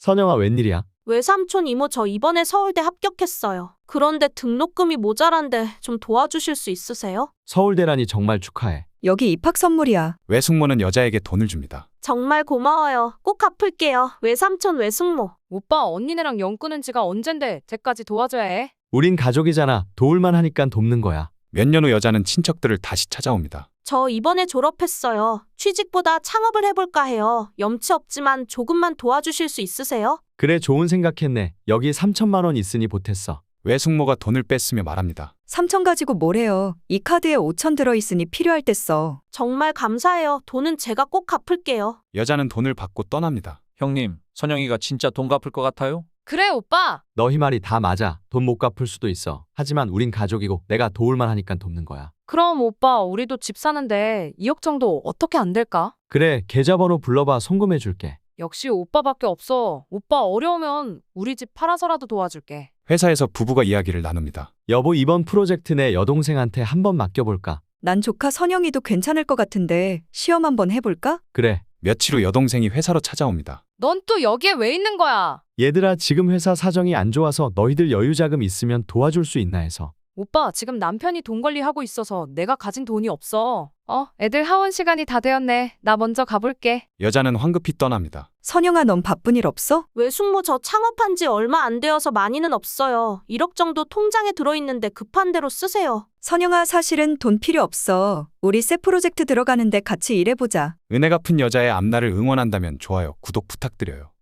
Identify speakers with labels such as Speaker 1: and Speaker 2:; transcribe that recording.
Speaker 1: 선영아, 웬일이야?
Speaker 2: 외삼촌 이모 저 이번에 서울대 합격했어요. 그런데 등록금이 모자란데 좀 도와주실 수 있으세요?
Speaker 1: 서울대라니 정말 축하해.
Speaker 3: 여기 입학 선물이야.
Speaker 4: 외숙모는 여자에게 돈을 줍니다.
Speaker 2: 정말 고마워요. 꼭 갚을게요. 외삼촌 외숙모.
Speaker 5: 오빠 언니네랑 연 끊은 지가 언젠데 쟤까지 도와줘야 해.
Speaker 1: 우린 가족이잖아. 도울만 하니까 돕는 거야.
Speaker 4: 몇 년 후 여자는 친척들을 다시 찾아옵니다.
Speaker 2: 저 이번에 졸업했어요. 취직보다 창업을 해볼까 해요. 염치 없지만 조금만 도와주실 수 있으세요?
Speaker 1: 그래, 좋은 생각했네. 여기 3천만 원 있으니 보탰어.
Speaker 4: 외숙모가 돈을 뺐으며 말합니다.
Speaker 3: 3천 가지고 뭘 해요. 이 카드에 5천 들어있으니 필요할 때 써.
Speaker 2: 정말 감사해요. 돈은 제가 꼭 갚을게요.
Speaker 4: 여자는 돈을 받고 떠납니다.
Speaker 6: 형님, 선영이가 진짜 돈 갚을 것 같아요?
Speaker 5: 그래 오빠.
Speaker 1: 너희 말이 다 맞아. 돈 못 갚을 수도 있어. 하지만 우린 가족이고 내가 도울만 하니까 돕는 거야.
Speaker 5: 그럼 오빠 우리도 집 사는데 2억 정도 어떻게 안 될까?
Speaker 1: 그래, 계좌번호 불러봐. 송금해 줄게.
Speaker 5: 역시 오빠밖에 없어. 오빠 어려우면 우리 집 팔아서라도 도와줄게.
Speaker 4: 회사에서 부부가 이야기를 나눕니다.
Speaker 1: 여보, 이번 프로젝트 내 여동생한테 한번 맡겨볼까?
Speaker 3: 난 조카 선영이도 괜찮을 것 같은데 시험 한번 해볼까?
Speaker 1: 그래.
Speaker 4: 며칠 후 여동생이 회사로 찾아옵니다.
Speaker 5: 넌 또 여기에 왜 있는 거야?
Speaker 1: 얘들아, 지금 회사 사정이 안 좋아서 너희들 여유자금 있으면 도와줄 수 있나 해서.
Speaker 5: 오빠 지금 남편이 돈 관리하고 있어서 내가 가진 돈이 없어. 애들 하원 시간이 다 되었네. 나 먼저 가볼게.
Speaker 4: 여자는 황급히 떠납니다.
Speaker 3: 선영아, 넌 바쁜 일 없어?
Speaker 2: 외숙모 저 창업한 지 얼마 안 되어서 많이는 없어요. 1억 정도 통장에 들어있는데 급한 대로 쓰세요.
Speaker 3: 선영아, 사실은 돈 필요 없어. 우리 새 프로젝트 들어가는데 같이 일해보자.
Speaker 4: 은혜 갚은 여자의 앞날을 응원한다면 좋아요, 구독 부탁드려요.